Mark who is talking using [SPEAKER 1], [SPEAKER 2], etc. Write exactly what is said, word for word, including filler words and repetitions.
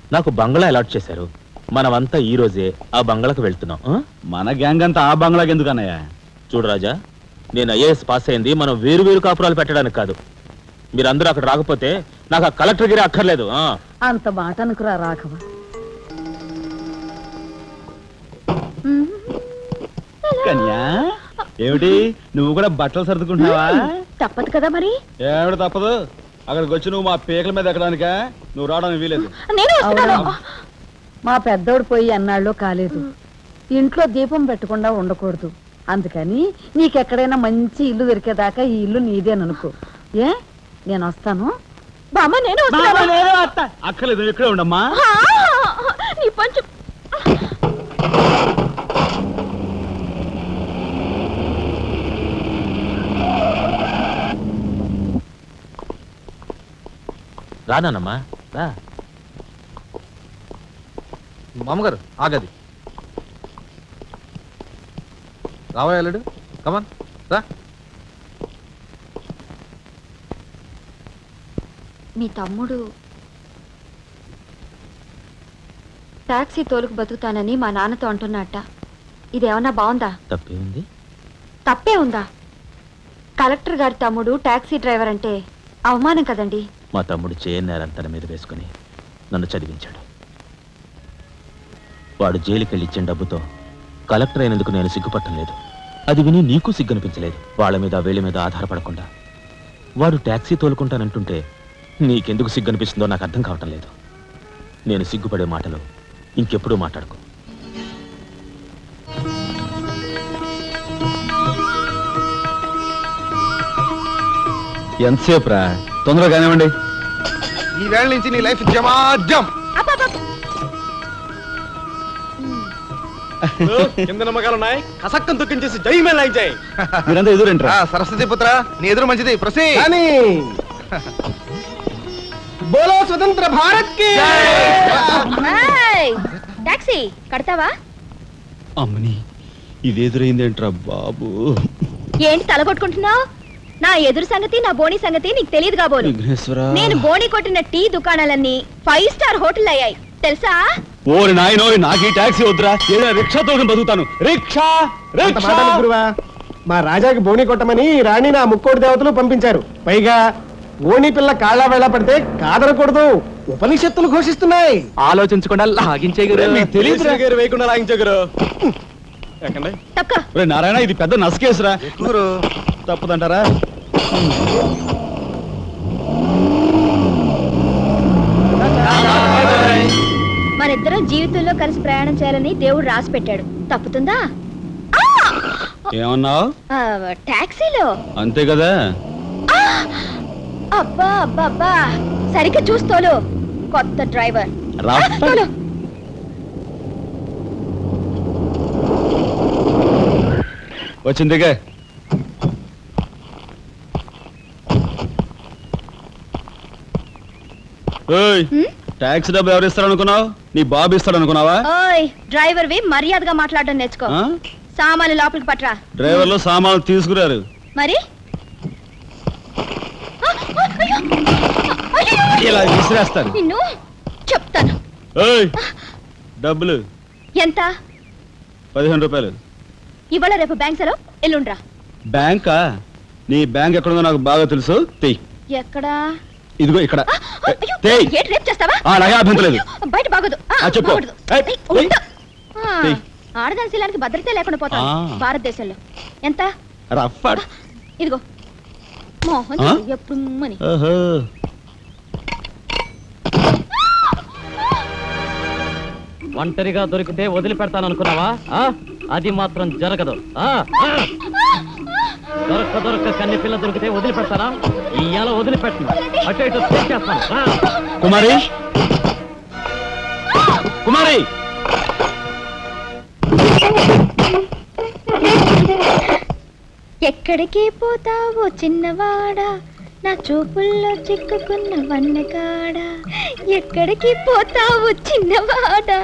[SPEAKER 1] నాకు బంగ్లా అలాట్ చేశారు. మనమంతా ఈ రోజే ఆ బంగ్లాకు వెళ్తున్నాం.
[SPEAKER 2] మన గ్యాంగ్ అంతా ఆ బంగ్లాకి ఎందుకు అన్నయ్య?
[SPEAKER 1] చూడు రాజా, నేను ఐఏఎస్ పాస్ అయింది మనం వేరు వేరు కాపురాలు పెట్టడానికి కాదు. మీరందరూ అక్కడ రాకపోతే నాకు ఆ కలెక్టర్ గిరి అక్కర్లేదు.
[SPEAKER 3] అంత మాట అనుకురా రాఘవ.
[SPEAKER 2] కన్యా, ఏమిటి నువ్వు కూడా బట్టలు సర్దుకుంటున్నావా?
[SPEAKER 3] తప్పదు కదా మరి.
[SPEAKER 2] ఏమిటి తప్పదు? అక్కడికి వచ్చి నువ్వు మా పీకల మీద ఎక్కడానికా? నువ్వు రావడానికి వీలేదు.
[SPEAKER 3] మా పెద్దోడు పోయి అన్నాళ్ళు కాలేదు. ఇంట్లో దీపం పెట్టకుండా ఉండకూడదు. అందుకని నీకెక్కడైనా మంచి ఇల్లు దొరికేదాకా ఈ ఇల్లు నీదేననుకో. ఏ నేను వస్తాను. బామ్మ నేను
[SPEAKER 2] అక్కర్లేదు, ఇక్కడే ఉండమ్మా.
[SPEAKER 1] రానమ్మా రా.
[SPEAKER 4] మామగారు ఆగది రావాలేడు. కమాన్ రా.
[SPEAKER 5] మీ తమ్ముడు టాక్సీ తోలుకు బతుకుతానని మా నాన్నతో అంటున్నట్ట. ఇదేమన్నా బాగుందా?
[SPEAKER 1] తప్పే ఉంది.
[SPEAKER 5] తప్పే ఉందా? కలెక్టర్ గారి తమ్ముడు టాక్సీ డ్రైవర్ అంటే అవమానం కదండి.
[SPEAKER 1] మా తమ్ముడు చేయన్నారని తన మీద వేసుకుని నన్ను చదివించాడు. వాడు జైలుకెళ్ళి ఇచ్చిన డబ్బుతో కలెక్టర్ అయినందుకు నేను సిగ్గుపట్టం లేదు. అది విని నీకు సిగ్గనిపించలేదు. వాళ్ళ మీద వీళ్ళ మీద ఆధారపడకుండా వాడు ట్యాక్సీ తోలుకుంటానంటుంటే నీకెందుకు సిగ్గనిపిస్తుందో నాకు అర్థం కావటం లేదు. నేను సిగ్గుపడే మాటలు ఇంకెప్పుడూ మాట్లాడుకో.
[SPEAKER 2] ఎంతసేపు రా? తొందరగా కానివ్వండి.
[SPEAKER 4] ఈ వేళ నుంచి నీ లైఫ్ జమాజం.
[SPEAKER 6] కింద నమ్మకాలు ఉన్నాయి. కసక్కం తొక్కించేసి జై మే లైక్ జై.
[SPEAKER 2] మీరంతా ఎదురేంట్రా?
[SPEAKER 4] సరస్వతి పుత్ర నీ ఎదురు మంచిది. ప్రసీ
[SPEAKER 6] బోలో స్వతంత్ర భారత్ కి
[SPEAKER 5] టాక్సీ కడతావా?
[SPEAKER 2] అమ్మని ఇది ఎదురైందేంట్రా బాబు?
[SPEAKER 5] ఏంటి తల కొట్టుకుంటున్నావు? నా ఎదురు సంగతి నా బోని సంగతి నీకు తెలియదు కాబోలు. నేను బోని కొట్టిన టీ దుకాణాలన్నీ ఫైవ్ స్టార్ హోటల్ అయ్యాయి తెలుసా?
[SPEAKER 2] ఓరి నాయనో, నాకు ఈ టాక్సీ వద్దురా. ఏదో రిక్షా తోటి బతుకుతాను. రిక్షా
[SPEAKER 6] గురువా, మా రాజాకి బోని కొట్టమని రాణి నా ముక్కోటి దేవతలు పంపించారు. పైగా ఓణి పిల్ల కాళ్ళ వేళ పడితే కాదనకూడదు ఉపనిషత్తులు ఘోషిస్తున్నాయి.
[SPEAKER 2] ఆలోచించకుండా లాగించే
[SPEAKER 6] వేయకుండా లాగించగరు.
[SPEAKER 2] నారాయణ, ఇది పెద్ద నసకేసురా. తప్పదంటారా?
[SPEAKER 5] మనిద్దరం జీవితంలో కలిసి ప్రయాణం చేయాలని దేవుడు రాసి పెట్టాడు. తప్పుతుందా?
[SPEAKER 2] ఏమన్నావు?
[SPEAKER 5] టాక్సీలో
[SPEAKER 2] అంతే కదా.
[SPEAKER 5] అబ్బా అబ్బా అబ్బా, సరిగ్గా చూస్తోలు. కొత్త డ్రైవర్
[SPEAKER 2] వచ్చిందిగా. ట్యాక్సీ డబ్బు ఎవరు ఇస్తారు అనుకున్నావు? నీ బాబు ఇస్తాడు అనుకున్నావా?
[SPEAKER 5] ఓయ్ డ్రైవర్ వి మర్యాదగా మాట్లాడడం నేర్చుకో. సామాన్లు లోపలికి పట్రా.
[SPEAKER 2] డ్రైవర్లు సామాన్లు తీసుకురారు.
[SPEAKER 5] మరి
[SPEAKER 2] ఇలా విసిరేస్తారు.
[SPEAKER 5] నిన్ను చెప్తాను.
[SPEAKER 2] డబ్బులు
[SPEAKER 5] ఎంత?
[SPEAKER 2] పదిహేను రూపాయలు.
[SPEAKER 5] ఇవాళ రేపు బ్యాంక్ సెలవు, ఎల్లుండ్రా.
[SPEAKER 2] బ్యాంకా? నీ బ్యాంక్ ఎక్కడుందో నాకు బాగా తెలుసు. తెయ్.
[SPEAKER 5] ఎక్కడా?
[SPEAKER 2] ఇదిగో ఇక్కడ.
[SPEAKER 5] బయట బాగోదు. ఆడదాని శీలానికి భద్రత లేకుండా పోతా భారతదేశంలో. ఎంత? ఇదిగో మోహన్ ఎప్పుడు మని.
[SPEAKER 7] ఒంటరిగా దొరికితే వదిలిపెడతాను అనుకున్నావా? అది మాత్రం జరగదు. దొరక్క దొరక్క కన్ని పిల్ల దొరికితే వదిలిపెడతానా? ఇయ్యాల వదిలిపెట్టను. అటు ఇటు తెచ్చేస్తాను.
[SPEAKER 2] కుమారి, కుమారి,
[SPEAKER 5] ఎక్కడికి పోతావో చిన్నవాడా, నా చూపుల్లో చిక్కుకున్న వన్నకాడా. ఎక్కడికి పోతావో చిన్నవాడా.